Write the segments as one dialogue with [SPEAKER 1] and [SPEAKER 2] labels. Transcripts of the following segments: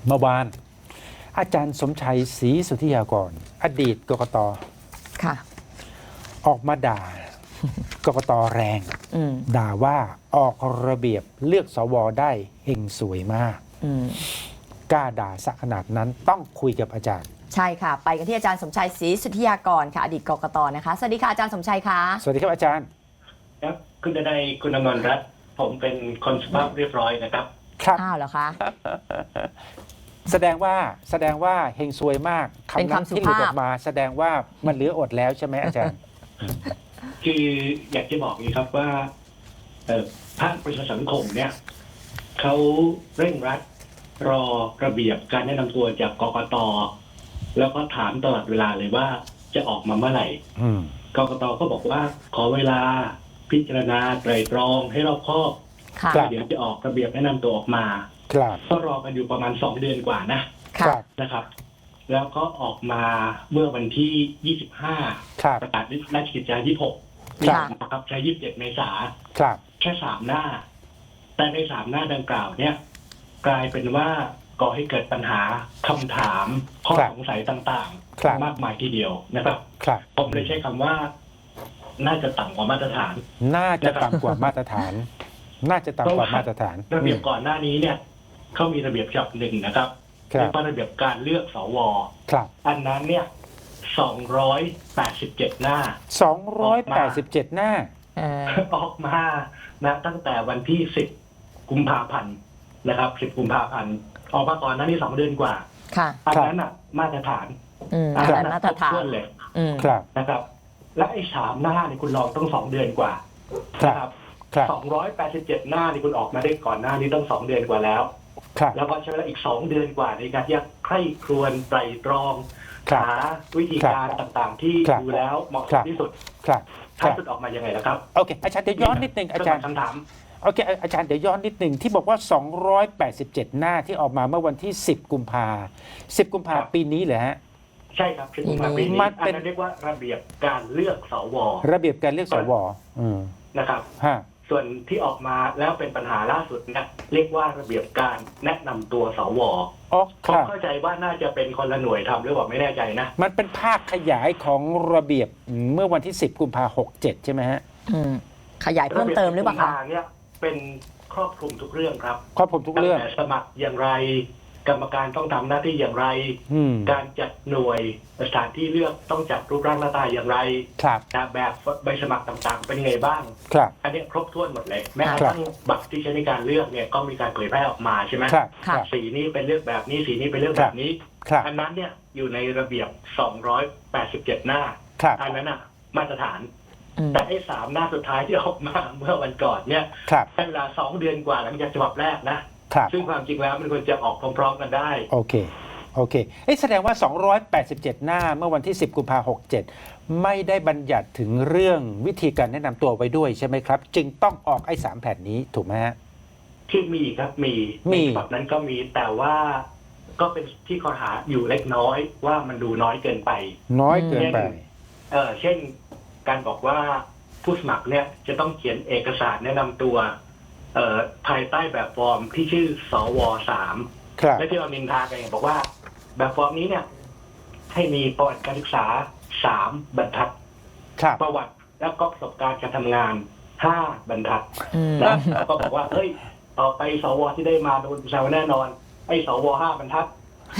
[SPEAKER 1] เมื่อวานอาจารย์สมชัยศรีสุทธิยากรอดีตกกต.
[SPEAKER 2] ค่ะ
[SPEAKER 1] ออกมาด่า กกต.แรง ด่าว่าออกระเบียบเลือกสวได้เฮงสวยมากกล้าด่าสักขนาดนั้นต้องคุยกับอาจารย์
[SPEAKER 2] ใช่ค่ะ ไปกันที่อาจารย์สมชัยศรีสุทธิยากรค่ะอดีตกกต.นะคะสวัสดีค่ะอาจารย์สมชัยค่ะ
[SPEAKER 1] สวัสดีครับอาจารย์
[SPEAKER 3] ครับคุณดนัยคุณอมรรัตน์ผมเป็นคนสุภาพเรียบร้อยนะครับ
[SPEAKER 1] ครับ
[SPEAKER 2] อ้าวเหรอคะ
[SPEAKER 1] แสดงว่าเฮงซวยมากคำนั้นที่หลุดออกมาแสดงว่ามันเหลืออดแล้วใช่ไหมอาจารย์
[SPEAKER 3] คืออยากจะบอกนี้ครับว่าภาคประชาสังคมเนี่ยเขาเร่งรัดรอระเบียบการแนะนำตัวจากกกต.แล้วก็ถามตลอดเวลาเลยว่าจะออกมาเมื่อไหร่กกต.ก็บอกว่าขอเวลาพิจารณาไตรตรองให้รอบคอบเดี๋ยวจะออกระเบียบแนะนำตัวออกมาก็รอกันอยู่ประมาณ2 เดือนกว่านะครับแล้วก็ออกมาเมื่อวันที่25ประกาศราชกิจจา26นะครับใช้27 เมษายนแค่3 หน้าแต่ใน3 หน้าดังกล่าวเนี่ยกลายเป็นว่าก่อให้เกิดปัญหาคำถามข้อสงสัยต่างๆมากมายทีเดียวนะครับผมเลยใช้คำว่าน่าจะต่ำกว่ามาตรฐาน
[SPEAKER 1] น่าจะต่ำกว่ามาตรฐานน่าจะต่ำกว่ามาตรฐาน
[SPEAKER 3] ระเบียบก่อนหน้านี้เนี่ยเขามีระเบียบฉบับหนึ่งนะครับเรียกว่าระเบียบการเลือกสวอันนั้นเนี่ย287 หน้า
[SPEAKER 1] 287 หน้า
[SPEAKER 3] ออกมานะตั้งแต่วันที่10 กุมภาพันธ์นะครับ10 กุมภาพันธ์ออกมาก่อนหน้านี้2 เดือนกว่าอันนั้นอ่ะมาตรฐาน
[SPEAKER 2] อันนั้นมาตรฐาน
[SPEAKER 3] เลยนะครับและไอ้3 หน้านี่คุณลองต้อง2 เดือนกว่านะครับ287 หน้านี่คุณออกมาได้ก่อนหน้านี้ต้อง2 เดือนกว่าแล้วแล้วก็ใช้เวลาอีก2 เดือนกว่าในการที่จะใคร่ครวญไตรตรองหาวิธีการต่างๆที่ดูแล้วเหมาะสมที่สุดท้ายสุดออกมายังไงล่ะครับ
[SPEAKER 1] โอเคอาจารย์เดี๋ยวย้อนนิดนึงอาจารย์
[SPEAKER 3] คำถาม
[SPEAKER 1] โอเคอาจารย์เดี๋ยวย้อนนิดนึงที่บอกว่า287 หน้าที่ออกมาเมื่อวันที่10 กุมภาปีนี้เหรอฮะ
[SPEAKER 3] ใช่ครับ10 กุมภาพันธ์ปีนี้อันนั้นเรียกว่าระเบียบการเลือกสว
[SPEAKER 1] ระเบียบการเลือกสว
[SPEAKER 3] นะครับส่วนที่ออกมาแล้วเป็นปัญหาล่าสุดเนี่ยเรียกว่าระเบียบการแนะนำตัวสวผมเข้าใจว่าน่าจะเป็นคนละหน่วยทำหรือเปล่าไม่แน่ใจนะ
[SPEAKER 1] มันเป็นภาคขยายของระเบียบเมื่อวันที่10 กุมภาพันธ์67ใช่ไหมฮะ
[SPEAKER 2] ขยายเพิ่มเติมหรือเปล่าคะ
[SPEAKER 3] เนี่ยเป็นครอบคลุมทุกเรื่องครับ
[SPEAKER 1] ครอบคลุมทุกเรื่อง
[SPEAKER 3] สมัครอย่างไรกรรมการต้องทำหน้าที่อย่างไรการจัดหน่วยสถานที่เลือกต้องจัดรูปร่างหน้าตาอย่างไรแบบใบสมัครต่างๆเป็นไงบ้างอันนี้ครบถ้วนหมดเลยแม้กระทั่งบัตรที่ใช้ในการเลือกเนี่ยก็มีการเผยแพร่ออกมาใช่ไหมสีนี้เป็นเลือกแบบนี้สีนี้เป็นเลือกแบบนี้อันนั้นเนี่ยอยู่ในระเบียบ287 หน้าอันนั้นน่ะมาตรฐานแต่ไอ้3 หน้าสุดท้ายที่ออกมาเมื่อวันก่อนเนี่ยใช้เวลา2 เดือนกว่าหลังจากฉบับแรกนะซึ่งความจริงแล้วมันควรจะออกพร้อมๆกันได้
[SPEAKER 1] โอเคแสดงว่า287 หน้าเมื่อวันที่10 กุมภาพันธ์67ไม่ได้บัญญัติถึงเรื่องวิธีการแนะนำตัวไว้ด้วยใช่ไหมครับจึงต้องออกไอ้3 แผ่นนี้ถูกไหมฮะ
[SPEAKER 3] ที่มีครับมีแบบนั้นก็มีแต่ว่าก็เป็นที่ข้อหาอยู่เล็กน้อยว่ามันดูน้อยเกินไปเช่นการบอกว่าผู้สมัครเนี่ยจะต้องเขียนเอกสารแนะนำตัวภายใต้แบบฟอร์มที่ชื่อสว3และที่เรานินทากันบอกว่าแบบฟอร์มนี้เนี่ยให้มีประวัติการศึกษา3 บรรทัดประวัติและก็ประสบการณ์การทำงาน5 บรรทัดแล้วก็บอกว่าเฮ้ยต่อไปสวที่ได้มาโดนแซวแน่นอนไอ้สว5 บรรทัด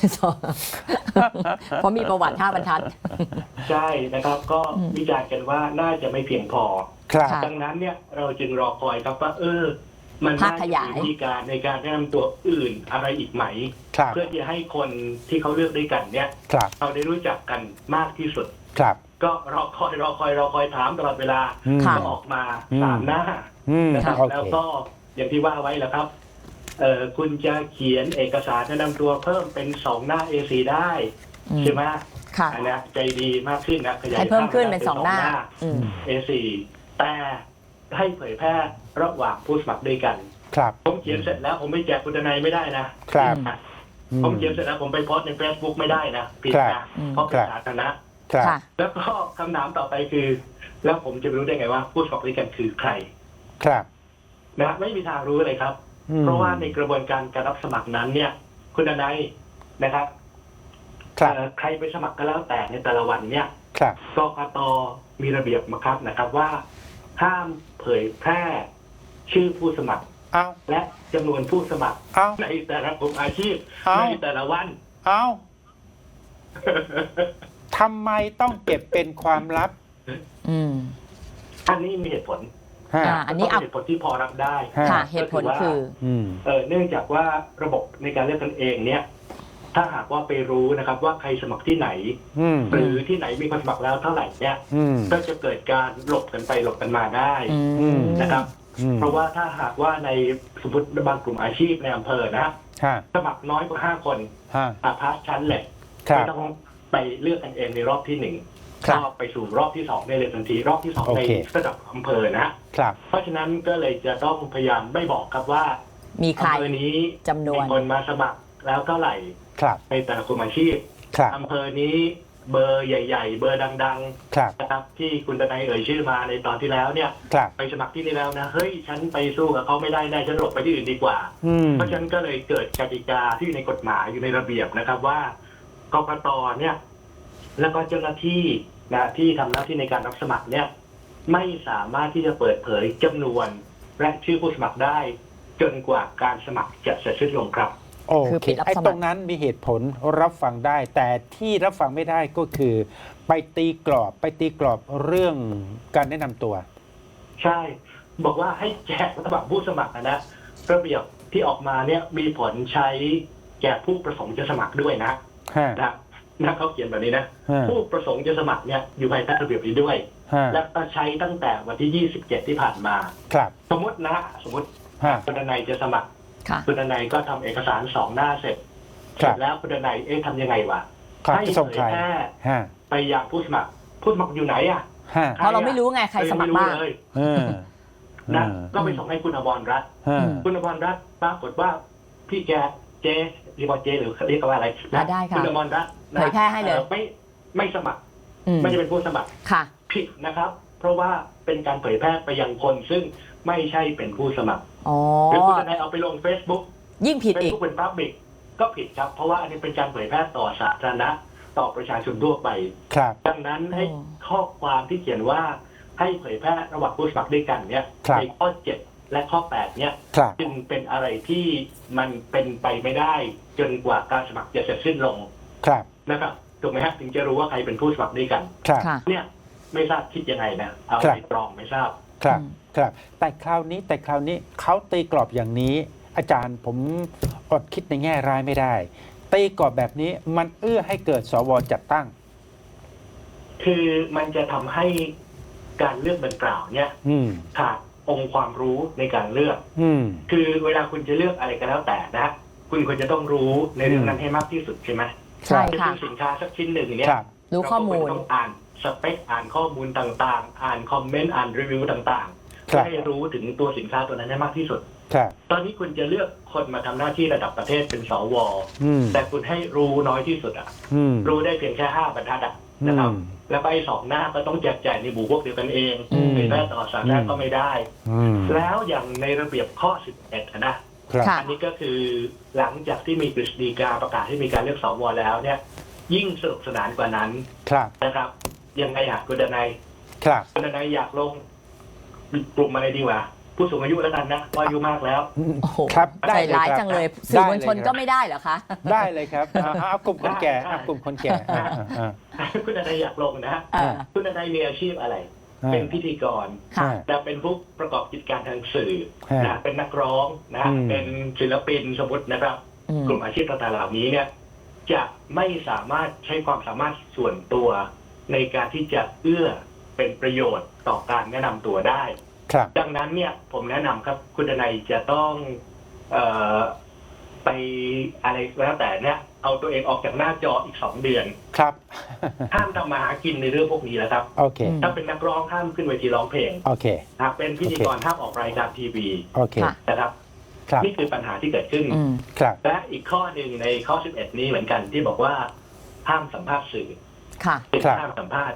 [SPEAKER 2] เพราะมีประวัติ5 บรรทัด
[SPEAKER 3] ใช่นะครับก็วิจารณ์กันว่าน่าจะไม่เพียงพอดังนั้นเนี่ยเราจึงรอคอยครับว่ามันน่าจะมีวิธีการในการแนะนำตัวอื่นอะไรอีกไหมเพื่อที่ให้คนที่เขาเลือกด้วยกันเนี่ยเราได้รู้จักกันมากที่สุดก็รอคอยถามตลอดเวลาก็ออกมา3 หน้านะครับแล้วก็อย่างที่ว่าไว้แหละครับคุณจะเขียนเอกสารแนะนำตัวเพิ่มเป็น2 หน้า A4 ได้ใช่ไหมอันนี้ใจดีมากขึ้นนะขยาย
[SPEAKER 2] เพิ่มขึ้นเป็น2 หน้า
[SPEAKER 3] A4 แต่ให้เผยแพร่ระหว่างผู้สมัครด้วยกันผมเขียนเสร็จแล้วผมไม่แจกคุณทนายไม่ได้นะผมเขียนเสร็จแล้วผมไปโพสต์ใน Facebook ไม่ได้นะผิดนะเพราะเป็นสาธารณะแล้วก็คำถามต่อไปคือแล้วผมจะรู้ได้ไงว่าผู้สมัครด้วยกันคือใครนะไม่มีทางรู้เลยครับเพราะว่าในกระบวนการการรับสมัครนั้นเนี่ยคุณดนัยนะครับ
[SPEAKER 1] ครับ
[SPEAKER 3] ใครไปสมัครก็แล้วแต่ในแต่ละวันเนี่ย
[SPEAKER 1] ครับ
[SPEAKER 3] กกตมีระเบียบบังคับนะครับว่าห้ามเผยแพร่ชื่อผู้สมัคร
[SPEAKER 1] เอา
[SPEAKER 3] และจำนวนผู้สมัคร
[SPEAKER 1] เอา
[SPEAKER 3] ในแต่ละกลุ่มอาชีพ
[SPEAKER 1] เอ้า
[SPEAKER 3] ในแต่ละวัน
[SPEAKER 1] เอาทำไมต้องเก็บเป็นความลับ
[SPEAKER 2] อืม
[SPEAKER 3] อันนี้มีเหตุผล
[SPEAKER 1] ฮะ
[SPEAKER 2] อันนี้
[SPEAKER 3] แล้วก็เหตุผลที่พอรับได้
[SPEAKER 1] ฮะ
[SPEAKER 2] ค่ะ เหตุผลคือ
[SPEAKER 1] อืม
[SPEAKER 3] เนื่องจากว่าระบบในการเลือกกันเองเนี่ย ถ้าหากว่าไปรู้นะครับ ว่าใครสมัครที่ไหน
[SPEAKER 1] อืม
[SPEAKER 3] หรือที่ไหนมีคนสมัครแล้วเท่าไหร่เนี่ย
[SPEAKER 1] อืม
[SPEAKER 3] ก็จะเกิดการหลบกันไปหลบกันมาได้
[SPEAKER 2] อืม
[SPEAKER 3] นะครับ
[SPEAKER 1] อืม
[SPEAKER 3] เพราะว่าถ้าหากว่าในสมมติบางกลุ่มอาชีพในอำเภอนะ
[SPEAKER 1] ฮะ
[SPEAKER 3] สมัครน้อยกว่า5 คน
[SPEAKER 1] ฮะ
[SPEAKER 3] อาพาชั้นแหละ
[SPEAKER 1] ครั
[SPEAKER 3] ไม่
[SPEAKER 1] บ
[SPEAKER 3] ต้องไปเลือกกันเองในรอบที่ 1
[SPEAKER 1] ครับ
[SPEAKER 3] ก็ไปสู่รอบที่2ได้เลยทันทีรอบที่2
[SPEAKER 1] โอ
[SPEAKER 3] ใน
[SPEAKER 1] เค
[SPEAKER 3] ระดับอำเภอนะ
[SPEAKER 1] ครับ
[SPEAKER 3] เพราะฉะนั้นก็เลยจะต้องพยายามไม่บอกครับว่า
[SPEAKER 2] มีใคร
[SPEAKER 3] อำเภอนี้
[SPEAKER 2] จำนวน
[SPEAKER 3] มีคนมาสมัครแล้วเท่าไหร่
[SPEAKER 1] ครับ
[SPEAKER 3] ในแต่ละกลุ่มอาชีพ
[SPEAKER 1] ครับ
[SPEAKER 3] อำเภอนี้เบอร์ใหญ่ๆ เบอร์ดัง
[SPEAKER 1] ครับ
[SPEAKER 3] ๆนะครับที่คุณดนัยเอ่ยชื่อมาในตอนที่แล้วเนี่ย
[SPEAKER 1] ครับ
[SPEAKER 3] ไปสมัครที่นี่แล้วนะเฮ้ยฉันไปสู้กับเขาไม่ได้แน่ฉันหลบไปที่อื่นดีกว่า
[SPEAKER 1] อืม
[SPEAKER 3] เพราะฉะนั้นก็เลยเกิดกติกาที่อยู่ในกฎหมายอยู่ในระเบียบนะครับว่ากกตเนี่ย แล้วก็เจ้าหน้าที่นะที่ทำหน้าที่ในการรับสมัครเนี่ย ไม่สามารถที่จะเปิดเผยจำนวนและชื่อผู้สมัครได้ จนกว่าการสมัครจะเสร็จสิ้นลงครับ
[SPEAKER 1] โอ
[SPEAKER 2] คือ
[SPEAKER 1] เค
[SPEAKER 2] ปิดรับ
[SPEAKER 1] ไอ้
[SPEAKER 2] สมัคร
[SPEAKER 1] ตรงนั้นมีเหตุผลรับฟังได้ แต่ที่รับฟังไม่ได้ก็คือ ไปตีกรอบเรื่องการแนะนำตัว
[SPEAKER 3] ใช่ บอกว่าให้แจกสมัครผู้สมัครนะระเบียบที่ออกมาเนี่ยมีผลใช้แก่ผู้ประสงค์จะสมัครด้วยนะ
[SPEAKER 1] ฮะ
[SPEAKER 3] นะเขาเขียนแบบนี้นะ
[SPEAKER 1] ฮะ
[SPEAKER 3] ผู้ประสงค์จะสมัครเนี่ยอยู่ภายใต้ระเบียบนี้ด้วย
[SPEAKER 1] ฮะ
[SPEAKER 3] และก็ใช้ตั้งแต่วันที่ 27 ที่ผ่านมา
[SPEAKER 1] ครับ
[SPEAKER 3] สมมติ
[SPEAKER 1] ฮะ
[SPEAKER 3] คุณดนัยจะสมัคร
[SPEAKER 2] ค่ะ
[SPEAKER 3] คุณดนัยก็ทำเอกสาร2 หน้าเสร็จ
[SPEAKER 1] ครั
[SPEAKER 3] เสร็
[SPEAKER 1] บ
[SPEAKER 3] จแล้วคุณดนัยทำยังไงวะ
[SPEAKER 1] ครับ
[SPEAKER 3] ให้
[SPEAKER 1] จะส่ง
[SPEAKER 3] เผ
[SPEAKER 1] ใคร
[SPEAKER 3] ยแพร่
[SPEAKER 1] ฮะ
[SPEAKER 3] ไปยังผู้สมัครอยู่ไหนอ่ะ
[SPEAKER 1] ฮะ
[SPEAKER 2] เพราะเราไม่รู้ไงใครสมัครบ้าง
[SPEAKER 3] เลย
[SPEAKER 1] เออ
[SPEAKER 3] นะก็ไปส่งให้คุณอมรรัตน์
[SPEAKER 1] ฮะ
[SPEAKER 3] คุณอมรรัตน์ปรากฏว่าพี่แกเจเรียกว่าเจหรือเรียกว่าอะไรนะ
[SPEAKER 2] ได้ค่ะ
[SPEAKER 3] คุณอมรรัตน์นะ
[SPEAKER 2] เผยแพร่ให้เลย
[SPEAKER 3] ไม่สมัคร
[SPEAKER 2] อืม
[SPEAKER 3] ไม่ได้เป็นผู้สมัคร
[SPEAKER 2] ค่ะ
[SPEAKER 3] ผิดนะครับ เพราะว่าเป็นการเผยแพร่ไปยังคนซึ่งไม่ใช่เป็นผู้สมัคร
[SPEAKER 2] อ๋อ
[SPEAKER 3] หรือคุณจะได้เอาไปลง Facebook
[SPEAKER 2] ยิ่งผิดอีก
[SPEAKER 3] Facebook เป็น Public ก็ผิดครับ เพราะว่าอันนี้เป็นการเผยแพร่ต่อสาธารณะต่อประชาชนทั่วไป
[SPEAKER 1] ครับ
[SPEAKER 3] ดังนั้นให้
[SPEAKER 2] อ๋อ
[SPEAKER 3] ข้อความที่เขียนว่าให้เผยแพร่ระหว่างผู้สมัครด้วยกันเนี่ย
[SPEAKER 1] ครับ
[SPEAKER 3] ในข้อ 7 และข้อ 8 เนี่ย
[SPEAKER 1] ครับ
[SPEAKER 3] จึงเป็นอะไรที่มันเป็นไปไม่ได้ จนกว่าการสมัครจะเสร็จสิ้นลง
[SPEAKER 1] ครับ
[SPEAKER 3] นะครับถูกไหมฮะถึงจะรู้ว่าใครเป็นผู้สมัครด้วยกัน
[SPEAKER 1] ครับ
[SPEAKER 2] ค่ะ
[SPEAKER 3] เนี่ยไม่ทราบคิดยังไงนะเอา
[SPEAKER 1] ครับ
[SPEAKER 3] ไปตรองไม่ทราบ
[SPEAKER 1] ครับ
[SPEAKER 2] อืม
[SPEAKER 1] ครับ แต่คราวนี้เขาตีกรอบอย่างนี้ อาจารย์ผมอดคิดในแง่ร้ายไม่ได้ ตีกรอบแบบนี้มันเอื้อให้เกิดสวจัดตั้ง
[SPEAKER 3] คือมันจะทำให้การเลือกดังกล่าวเนี่ย
[SPEAKER 1] อืม
[SPEAKER 3] ขาดองค์ความรู้ในการเลือก
[SPEAKER 1] อืม
[SPEAKER 3] คือเวลาคุณจะเลือกอะไรก็แล้วแต่นะ คุณควรจะต้องรู้ในเรื่องนั้นให้มากที่สุดใช่ไหม
[SPEAKER 2] ใช่
[SPEAKER 3] จะ
[SPEAKER 2] ค่ะ
[SPEAKER 3] ซื้อสินค้าสักชิ้นหนึ่งเนี่ย
[SPEAKER 1] ครับ
[SPEAKER 2] รู้ข้อมูล
[SPEAKER 3] เราก็ควรจะต้องอ่านสเปคอ่านข้อมูลต่างๆ อ่านคอมเมนต์อ่านรีวิวต่างๆ
[SPEAKER 1] ครั
[SPEAKER 3] เพื่อบ ให้รู้ถึงตัวสินค้าตัวนั้นให้มากที่สุด
[SPEAKER 1] ครับ
[SPEAKER 3] ตอนนี้คุณจะเลือกคนมาทำหน้าที่ระดับประเทศเป็นสว
[SPEAKER 1] อืม
[SPEAKER 3] แต่คุณให้รู้น้อยที่สุดอ่ะ
[SPEAKER 1] อืม
[SPEAKER 3] รู้ได้เพียงแค่5 บรรทัดอ่ะนะครับ
[SPEAKER 1] อืม
[SPEAKER 3] แล้วก็ไอ้2 หน้าก็ต้องแจกจ่ายในหมู่พวกเดียวกันเอง
[SPEAKER 1] อืม
[SPEAKER 3] เผยแพร่ต่อสาธารณะก็ไม่ได้
[SPEAKER 1] อืม
[SPEAKER 3] แล้วอย่างในระเบียบข้อ 11นะ
[SPEAKER 1] ครับ
[SPEAKER 2] ค่ะ
[SPEAKER 3] อันนี้ก็คือหลังจากที่มีกฤษฎีกาประกาศให้มีการเลือกสวแล้วเนี่ย ยิ่งสนุกสนานกว่านั้น
[SPEAKER 1] ครับ
[SPEAKER 3] นะครับ ยังไงอยากคุณดนัย
[SPEAKER 1] ครับ
[SPEAKER 3] คุณดนัยอยากลงกลุ่มอะไรดีวะผู้สูงอายุแล้วกันนะเพราะอายุมากแล้ว
[SPEAKER 2] โอ้โห
[SPEAKER 1] ครับ
[SPEAKER 2] ใจ
[SPEAKER 1] ได้เลย
[SPEAKER 2] ร้าย
[SPEAKER 1] ครับ
[SPEAKER 2] จังเลย สื่อมวลชน
[SPEAKER 1] ได้เลยครับ
[SPEAKER 2] ก็ไม่ได้เหรอคะ
[SPEAKER 1] ได้เลยครับเอากลุ่มคนแก่เอากลุ่มคนแก่อ่า
[SPEAKER 3] คุณดนัยอยากลงนะ
[SPEAKER 2] เออ
[SPEAKER 3] คุณดนัยมีอาชีพอะไร
[SPEAKER 1] อ่า
[SPEAKER 3] เป็นพิธีกร
[SPEAKER 2] ค่ะ
[SPEAKER 3] และเป็นผู้ประกอบกิจการทางสื่อ
[SPEAKER 1] ฮะ
[SPEAKER 3] นะเป็นนักร้องนะ
[SPEAKER 1] อืม
[SPEAKER 3] เป็นศิลปินสมมตินะครับ
[SPEAKER 2] อืม
[SPEAKER 3] กลุ่มอาชีพต่างๆเหล่านี้เนี่ย จะไม่สามารถใช้ความสามารถส่วนตัวในการที่จะเอื้อเป็นประโยชน์ต่อการแนะนำตัวได้
[SPEAKER 1] ครับ
[SPEAKER 3] ดังนั้นเนี่ยผมแนะนำครับคุณดนัยจะต้องไปอะไรก็แล้วแต่เนี่ย เอาตัวเองออกจากหน้าจออีก2 เดือน
[SPEAKER 1] ครับ
[SPEAKER 3] ห้ามทำมาหากินในเรื่องพวกนี้แล้วครับ
[SPEAKER 1] โอเค
[SPEAKER 2] อืม
[SPEAKER 3] ถ้าเป็นนักร้องห้ามขึ้นเวทีร้องเพลง
[SPEAKER 1] โอเค
[SPEAKER 3] หากเป็นพิธีกรห้ามออกรายการทีวี
[SPEAKER 1] โอเค
[SPEAKER 2] ค่ะ
[SPEAKER 3] นะครับ
[SPEAKER 1] ครับ
[SPEAKER 3] นี่คือปัญหาที่เกิดขึ้น
[SPEAKER 2] อืม
[SPEAKER 1] ครับ
[SPEAKER 3] และอีกข้อหนึ่งในข้อ 11 นี้เหมือนกันที่บอกว่าห้ามสัมภาษณ์สื่อ
[SPEAKER 2] ค่ะ
[SPEAKER 1] ครับ
[SPEAKER 3] ห้ามสัมภาษณ์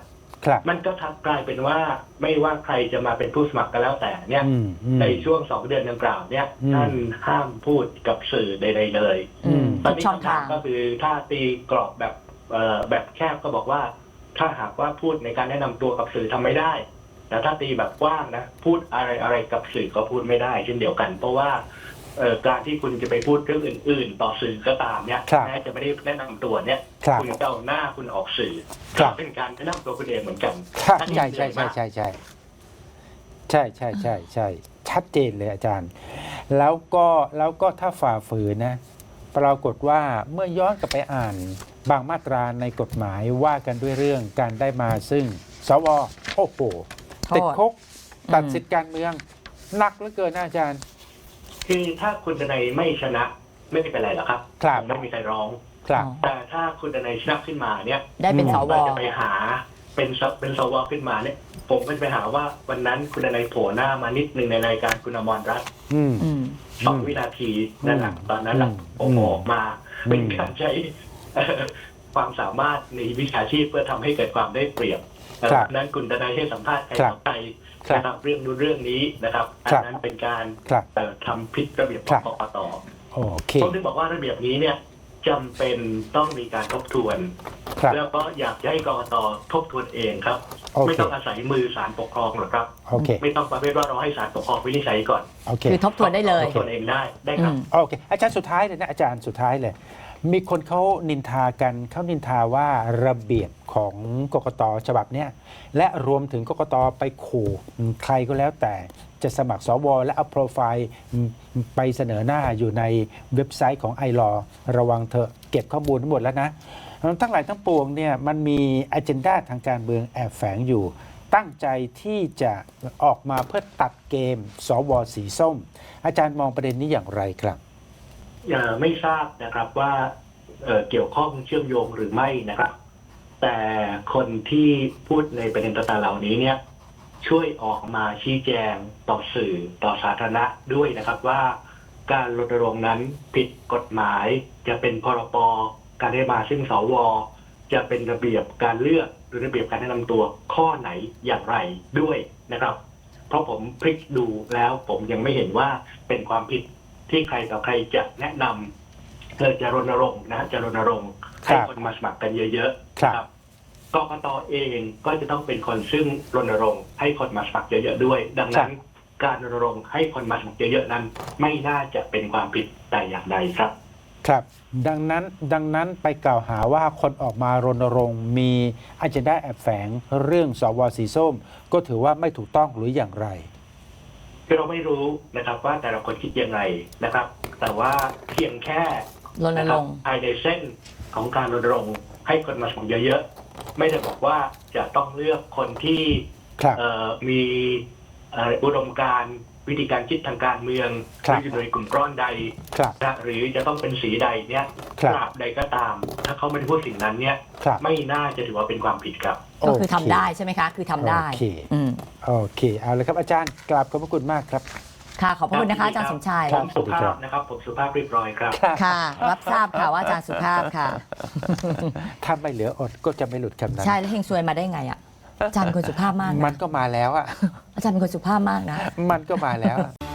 [SPEAKER 1] ครับ
[SPEAKER 3] มันก็กลายเป็นว่าไม่ว่าใครจะมาเป็นผู้สมัครก็แล้วแต่เนี่ย ในช่วง2 เดือนดังกล่าวเนี่ยท่านห้ามพูดกับสื่อใดๆเลย ตอนนี้
[SPEAKER 2] ช่อง
[SPEAKER 3] คำถา
[SPEAKER 2] ทาม ง
[SPEAKER 3] ก็คือถ้าตีกรอบแบบแคบก็บอกว่า ถ้าหากว่าพูดในการแนะนำตัวกับสื่อทำไม่ได้ แต่ถ้าตีแบบกว้างนะพูดอะไรกับสื่อก็พูดไม่ได้เช่นเดียวกัน เพราะว่าการที่คุณจะไปพูดเรื่องอื่นๆ ต่อสื่อก็ตามเนี่ย
[SPEAKER 1] ครับ
[SPEAKER 3] แม้จะไม่ได้แนะนำตัวเนี่ย
[SPEAKER 1] ครับ
[SPEAKER 3] คุณจะเอาหน้าคุณออกสื่อ
[SPEAKER 1] ครับ
[SPEAKER 3] ก็เป็นการแนะนำตัวคุณเองเหมือนกัน
[SPEAKER 1] ครับ
[SPEAKER 3] อันนี้
[SPEAKER 1] ใช่
[SPEAKER 3] เหนื่
[SPEAKER 1] ใช่
[SPEAKER 3] อย
[SPEAKER 1] ใช่
[SPEAKER 3] มาก
[SPEAKER 1] ใช่ใช่ใช่ใช่ใช่ใช่ชัดเจนเลยอาจารย์ แล้วก็ถ้าฝ่าฝืนนะ ปรากฏว่าเมื่อย้อนกลับไปอ่านบางมาตราในกฎหมายว่ากันด้วยเรื่องการได้มาซึ่งสวโอ้โหติดคุกตัดสิทธิการเมืองหนักเหลือเกินนะอาจารย์
[SPEAKER 3] คือถ้าคุณดนัยไม่ชนะไม่เป็นไรหรอกครับ
[SPEAKER 1] ครับ
[SPEAKER 3] ไม่มีใครร้อง
[SPEAKER 1] ครับ
[SPEAKER 3] แต่ถ้าคุณดนัยชนะขึ้นมาเนี่ย
[SPEAKER 2] ได้เป็นสว
[SPEAKER 3] ก็จะไปหาเป็นสวขึ้นมาเนี่ย ผมก็จะไปหาว่าวันนั้นคุณดนัยโผล่หน้ามานิดหนึ่งในรายการคุณอมรรัตน์
[SPEAKER 1] อืม
[SPEAKER 2] อืม
[SPEAKER 3] 2 วินาทีนั่นแหละตอนนั้นแหละผมออกมาเป็นการใช้ความสามารถในวิชาชีพเพื่อทำให้เกิดความได้เปรียบ
[SPEAKER 1] ครับ
[SPEAKER 3] นั้นคุณดนัยให้สัมภาษณ์ใคร
[SPEAKER 1] ครับ
[SPEAKER 3] ต่อใคร
[SPEAKER 1] ครับ
[SPEAKER 3] นะครับเรื่องนู้นเรื่องนี้นะครับอัน
[SPEAKER 1] ครับ
[SPEAKER 3] นั้นเป็นการ
[SPEAKER 1] ครับ
[SPEAKER 3] ทำผิดระเบียบข
[SPEAKER 1] ครั
[SPEAKER 3] อง
[SPEAKER 1] บ
[SPEAKER 3] กกต
[SPEAKER 1] โอเค
[SPEAKER 3] ผมถึงบอกว่าระเบียบนี้เนี่ยจำเป็นต้องมีการทบทวน
[SPEAKER 1] ครับ
[SPEAKER 3] แล้วก็อยากจะให้กกตทบทวนเองครับ
[SPEAKER 1] โอเค
[SPEAKER 3] ไม่ต้องอาศัยมือศาลปกครองหรอกครับ
[SPEAKER 1] โอเค
[SPEAKER 3] ไม่ต้องประเภทว่าเราให้ศาลปกครองวินิจฉัยก่อน
[SPEAKER 1] โอเค
[SPEAKER 2] คือทบทวนได้เลย
[SPEAKER 3] ทบทวนเองได้ครับ
[SPEAKER 1] โอเค อาจารย์สุดท้ายเลยนะอาจารย์สุดท้ายเลย มีคนเขานินทากันเขานินทาว่าระเบียบของกกตฉบับเนี้ยและรวมถึงกกตไปขู่ใครก็แล้วแต่จะสมัครสวและเอาโปรไฟล์ไปเสนอหน้าอยู่ในเว็บไซต์ของไอรอระวังเถอะเก็บข้อมูลทั้งหมดแล้วนะ ทั้งหลายทั้งปวงเนี่ยมันมีอ g e n d a ทางการเมืองแอบแฝงอยู่ ตั้งใจที่จะออกมาเพื่อตัดเกมสวสีส้ม อาจารย์มองประเด็นนี้อย่างไรครับ
[SPEAKER 3] ไม่ทราบนะครับว่าเกี่ยวข้องเชื่อมโยงหรือไม่นะครับ แต่คนที่พูดในประเด็นต่างๆเหล่านี้เนี่ยช่วยออกมาชี้แจงต่อสื่อต่อสาธารณะด้วยนะครับว่าการรณรงค์นั้นผิดกฎหมายจะเป็นพรบการได้มาซึ่งสวจะเป็นระเบียบการเลือกหรือระเบียบการแนะนำตัวข้อไหนอย่างไรด้วยนะครับ เพราะผมพลิกดูแล้วผมยังไม่เห็นว่าเป็นความผิดที่ใครต่อใครจะแนะนำจะรณรงค์นะจะรณรงค์ให้คนมาสมัครกันเยอะๆ
[SPEAKER 1] ครับ
[SPEAKER 3] นะครับกกตเองก็จะต้องเป็นคนซึ่งรณรงค์ให้คนมาสมัครเยอะๆด้วย ดังนั้นการรณรงค์ให้คนมาสมัครเยอะๆนั้น ไม่น่าจะเป็นความผิดแต่อย่างใดครับ
[SPEAKER 1] ครับ ดังนั้นไปกล่าวหาว่าคนออกมารณรงค์มีอ g e n d a แอบแฝงเรื่องสวสีส้ม ก็ถือว่าไม่ถูกต้องหรืออย่างไร
[SPEAKER 3] คือเราไม่รู้นะครับว่าแต่ละคนคิดยังไงนะครับ แต่ว่าเพียงแค่
[SPEAKER 2] รณรงค์
[SPEAKER 3] ภายในเส้นของการรณรงค์ให้คนมาสมัครเยอะๆไม่ได้บอกว่าจะต้องเลือกคนที่
[SPEAKER 1] ครับ
[SPEAKER 3] มีอุดมการณ์วิธีการคิดทางการเมืองห
[SPEAKER 1] ครับ
[SPEAKER 3] รืออยู่ในกลุ่มก้อนใด
[SPEAKER 1] ครับ
[SPEAKER 3] นะหรือจะต้องเป็นสีใดเนี่ย
[SPEAKER 1] ครับ
[SPEAKER 3] ตราบใดก็ตาม ถ้าเขาไม่ได้พูดสิ่งนั้นเนี่ย
[SPEAKER 1] ครับ
[SPEAKER 3] ไม่น่าจะถือว่าเป็นความผิดครับ
[SPEAKER 2] ก็คือทำ
[SPEAKER 1] โเ
[SPEAKER 2] ได้ใช่ไหมคะ คือทำได้
[SPEAKER 1] โอเค
[SPEAKER 2] อืม
[SPEAKER 1] โอเค เอาเลยครับอาจารย์กราบขอบพระคุณมากครับ
[SPEAKER 2] ค่ะ ขอบพระคุณนะคะอาจารย์สมชาย
[SPEAKER 1] ค
[SPEAKER 3] ผ
[SPEAKER 1] รับ
[SPEAKER 3] มสุภาพนะครับ ผมสุภาพเรียบร้อยครับ
[SPEAKER 2] ค่ะ รับทราบค่ะว่าอาจารย์สุภาพค่ะ
[SPEAKER 1] ถ้าไม่เหลืออดก็จะไม่หลุดคำนั้น
[SPEAKER 2] ใช่ แล้วเฮงซวยมาได้ไงอ่ะ อาจารย์เป็นคนสุภาพมาก
[SPEAKER 1] มั
[SPEAKER 2] นะ
[SPEAKER 1] นก็มาแล้วอ่ะ
[SPEAKER 2] อาจารย์เป็นคนสุภาพมากนะ
[SPEAKER 1] มันก็มาแล้วอะ